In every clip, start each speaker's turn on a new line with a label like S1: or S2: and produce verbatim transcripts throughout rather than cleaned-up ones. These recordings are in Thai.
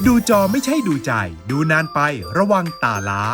S1: ดูจอไม่ใช่ดูใจดูนานไประวังตาล้า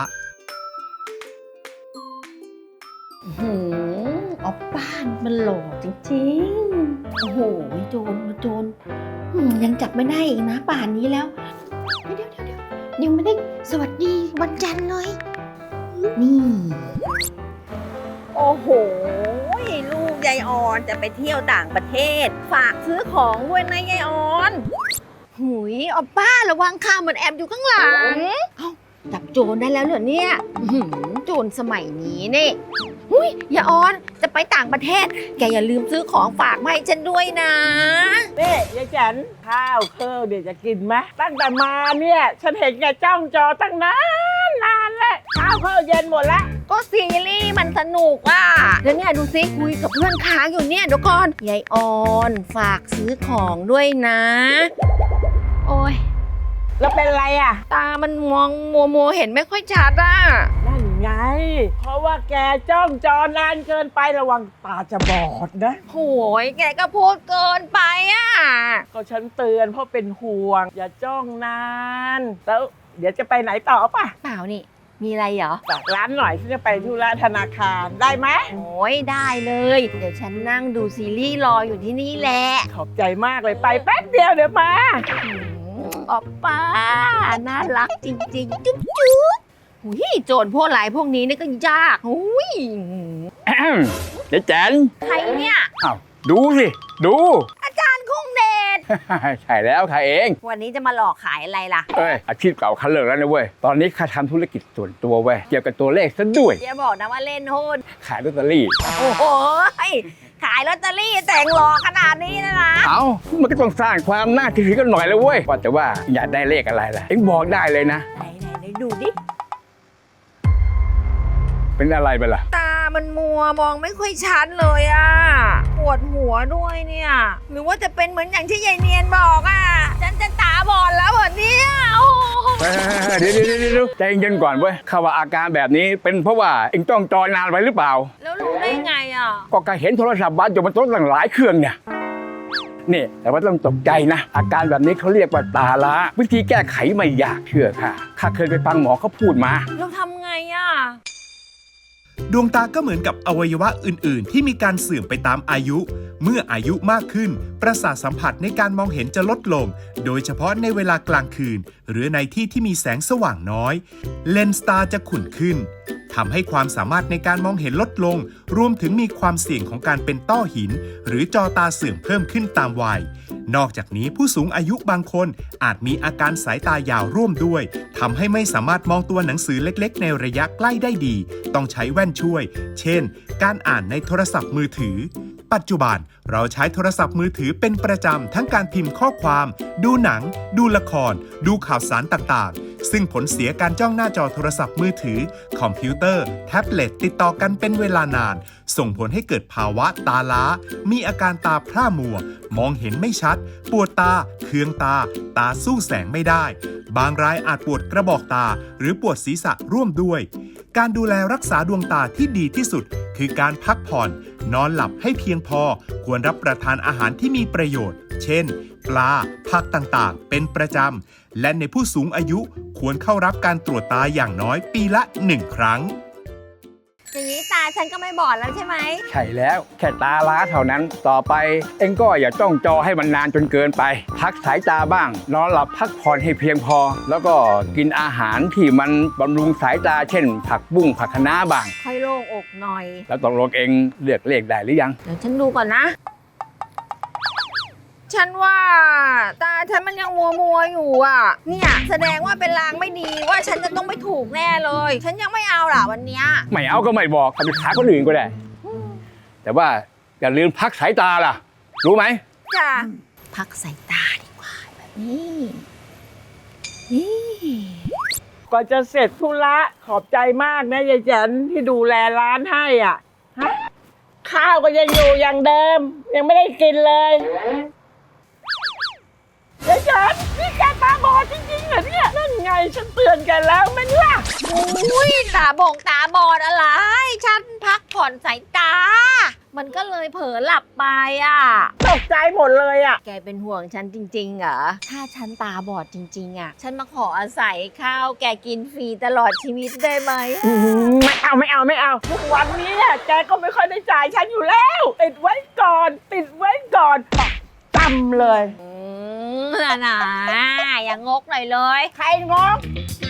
S2: โอ้โหออปป้ามันหล่อจริงๆโอ้โหโจรโจรยังจับไม่ได้อีกนะป่านนี้แล้วเดี๋ยวเดี๋ยวเดี๋ยวยังไม่ได้สวัสดีวันจันทร์เลยนี่
S3: โอ้โหลูกยายออนจะไปเที่ยวต่างประเทศฝากซื้อของด้วยนะยายออน
S2: หุยออปป้าระวังข้ามันแอบอยู่ข้างหลังเอ้าจับโจรได้แล้วเหรอเนี่ยโจรสมัยนี้นี่หุยอย่าออนจะไปต่างประเทศแกอย่าลืมซื้อของฝากมาให้ฉันด้วยนะ
S4: นี่ยายแจันข้าวเครื่องเดี๋ยวจะกินไหมตั้งแต่มาเนี่ยฉันเห็นแกจ้องจอตั้งนานนานแล้วข้าวเครื่องเย็นหมดแล้ว
S2: ก็ซีรีส์มันสนุกอ่ะแล้วเนี่ยดูซิคุยกับเพื่อนค้างอยู่เนี่ยเดี๋ยวก่อนยายออนฝากซื้อของด้วยนะโอ้ย
S4: แล้วเป็นไรอ่ะ
S2: ตามันมองมัวมัวเห็นไม่ค่อยชัดอ่ะ
S4: นั่นไงเพราะว่าแกจ้องจอนานเกินไประวังตาจะบอดนะ
S2: โอ้ยแกก็พูดเกินไปอ่ะ
S4: ก็ฉันเตือนเพราะเป็นห่วงอย่าจ้องนานแล้วเดี๋ยวจะไปไหนต่อป่ะ
S2: เปล่านี่มีอะไรเหรอ
S4: ฝากร้านหน่อยฉันจะไปธุระธนาคารได้ไหม
S2: โอ้ยได้เลยเดี๋ยวฉันนั่งดูซีรีส์รออยู่ที่นี่แหละ
S4: ขอบใจมากเลยไปแป๊บเดียวเดี๋ยวมา
S2: ออปป้าน่ารักจริงๆจุ๊บจุ๊บหุยโจรพวกหลายพวกนี้นี่ก็ยากหุย
S5: เจ๊แจ๋น
S2: ใครเนี่ย
S5: อ้าวดูสิดู
S2: อาจารย์คงเดช
S5: ใช่แล้วค่ะเอง
S2: วันนี้จะมาหลอกขายอะไรล่ะ
S5: เอ้ยอาชีพเก่าคันเลิกแล้วนะเว้ยตอนนี้ข้าทำธุรกิจส่วนตัวเว้ยเกี่ยวกับตัวเลขซะด้วย
S2: อย่าบอกนะว่าเล่นหุ้น
S5: ขายลอตเตอรี่
S2: โอ้โหขายลอตเตอรี่แต่งหลอกขนาดนี้นะนะ
S5: เอามันก็ต้องสร้างความน่าเชื่อถือกันหน่อยเลยเว้ยว่าแต่ว่าอยากได้เลขอะไรล่ะเอ็งบอกได้เลยนะ
S2: ไหนไหนไหนดูดิ
S5: เป็นอะไรไปล่ะ
S2: ตามันมัวมองไม่ค่อยชัดเลยอ่ะปวดหัวด้วยเนี่ยหรือว่าจะเป็นเหมือนอย่างที่ยายเนียนบอกอ่ะฉันจะตาบอดแล้วเหรอเนี่ย
S5: เดี๋ยวเดี๋ยวเดี๋ยวใจเย็นก่อนเว้ยข้าว่าอาการแบบนี้เป็นเพราะว่าเอ็งต้องจอนานไปหรือเปล่า
S2: แล้วรู้ได้ไงอ่ะ
S5: ก็การเห็นโทรศัพท์บ้านอยู่บนโต๊ะตั้งหลายเครื่องเนี่ยนี่แต่ว่าต้องตกใจนะอาการแบบนี้เขาเรียกว่าตาล้าวิธีแก้ไขไม่ยากเชื่อค่ะข้าเคยไปฟังหมอเขาพูดมา
S2: เราทำไงอ่ะ
S1: ดวงตาก็เหมือนกับอวัยวะอื่นๆที่มีการเสื่อมไปตามอายุเมื่ออายุมากขึ้นประสาทสัมผัสในการมองเห็นจะลดลงโดยเฉพาะในเวลากลางคืนหรือในที่ที่มีแสงสว่างน้อยเลนส์ตาจะขุ่นขึ้นทำให้ความสามารถในการมองเห็นลดลงรวมถึงมีความเสี่ยงของการเป็นต้อหินหรือจอตาเสื่อมเพิ่มขึ้นตามวัยนอกจากนี้ผู้สูงอายุบางคนอาจมีอาการสายตายาวร่วมด้วยทำให้ไม่สามารถมองตัวหนังสือเล็กๆในระยะใกล้ได้ดีต้องใช้แว่นช่วยเช่นการอ่านในโทรศัพท์มือถือปัจจุบันเราใช้โทรศัพท์มือถือเป็นประจำทั้งการพิมพ์ข้อความดูหนังดูละครดูข่าวสารต่างๆซึ่งผลเสียการจ้องหน้าจอโทรศัพท์มือถือคอมพิวเตอร์แท็บเล็ตติดต่อกันเป็นเวลานานส่งผลให้เกิดภาวะตาล้ามีอาการตาพร่ามัวมองเห็นไม่ชัดปวดตาเคืองตาตาสู้แสงไม่ได้บางรายอาจปวดกระบอกตาหรือปวดศีรษะร่วมด้วยการดูแลรักษาดวงตาที่ดีที่สุดคือการพักผ่อนนอนหลับให้เพียงพอควรรับประทานอาหารที่มีประโยชน์เช่นปลาผักต่างๆเป็นประจำและในผู้สูงอายุควรเข้ารับการตรวจตาอย่างน้อยปีละหนึ่งครั้ง
S2: อย่างนี้ตาฉันก็ไม่บอดแล้วใช่ไหม
S5: ใช่แล้วแค่ตาล้าเท่านั้นต่อไปเอ็งก็อย่าจ้องจอให้มันนานจนเกินไปพักสายตาบ้างนอนหลับพักผ่อนให้เพียงพอแล้วก็กินอาหารที่มันบำรุงสายตาเช่นผักบุ้งผักคะน้าบ้าง
S2: ค่อยโล่งอกหน่อย
S5: แล้วตกลงเอ็งเลือกเลขได้หรือยัง
S2: เดี๋ยวฉันดูก่อนนะฉันว่าตาฉันมันยังมัวมัวอยู่อ่ะเนี่ยแสดงว่าเป็นลางไม่ดีว่าฉันจะต้องไปถูกแน่เลยฉันยังไม่เอาล่ะวันนี้
S5: ไม่เอาก็ไม่บอกเอาไปหาคนอื่นก็ได้แต่ว่าอย่าลืมพักสายตาล่ะรู้ไหม
S2: จ้ะพักสายตาดีกว่าแบบนี้นี่
S4: ก่อนจะเสร็จธุระขอบใจมากนะยายแจันที่ดูแลร้านให้อ่ะฮะข้าวก็ยังอยู่อย่างเดิมยังไม่ได้กินเลยยายจันนี่แกตาบอดจริงๆเหรอเนี่ยนั่นไงฉันเตือนแกแล้วไหมล่ะ
S2: อุ้ยตาบงตาบอดอะไรฉันพักผ่อนสายตามัน
S3: มันก็เลยเผลอหลับไปอ่ะ
S4: ตกใจหมดเลยอ่ะ
S3: แกเป็นห่วงฉันจริงๆเหรอ ถ้าฉันตาบอดจริงๆอ่ะ ฉันมาขออาศัยข้าวแกกินฟรีตลอดชีวิตได้ไหม
S4: อืมไม่เอาไม่เอาไม่เอาทุกวันนี้เนี่ยแกก็ไม่ค่อยได้จ่ายฉันอยู่แล้ว ติดไว้ก่อน ติดไว้ก่อนจำเลย
S3: อืมน่ะนะอย่างงกหน่อยเลย
S4: ใครงง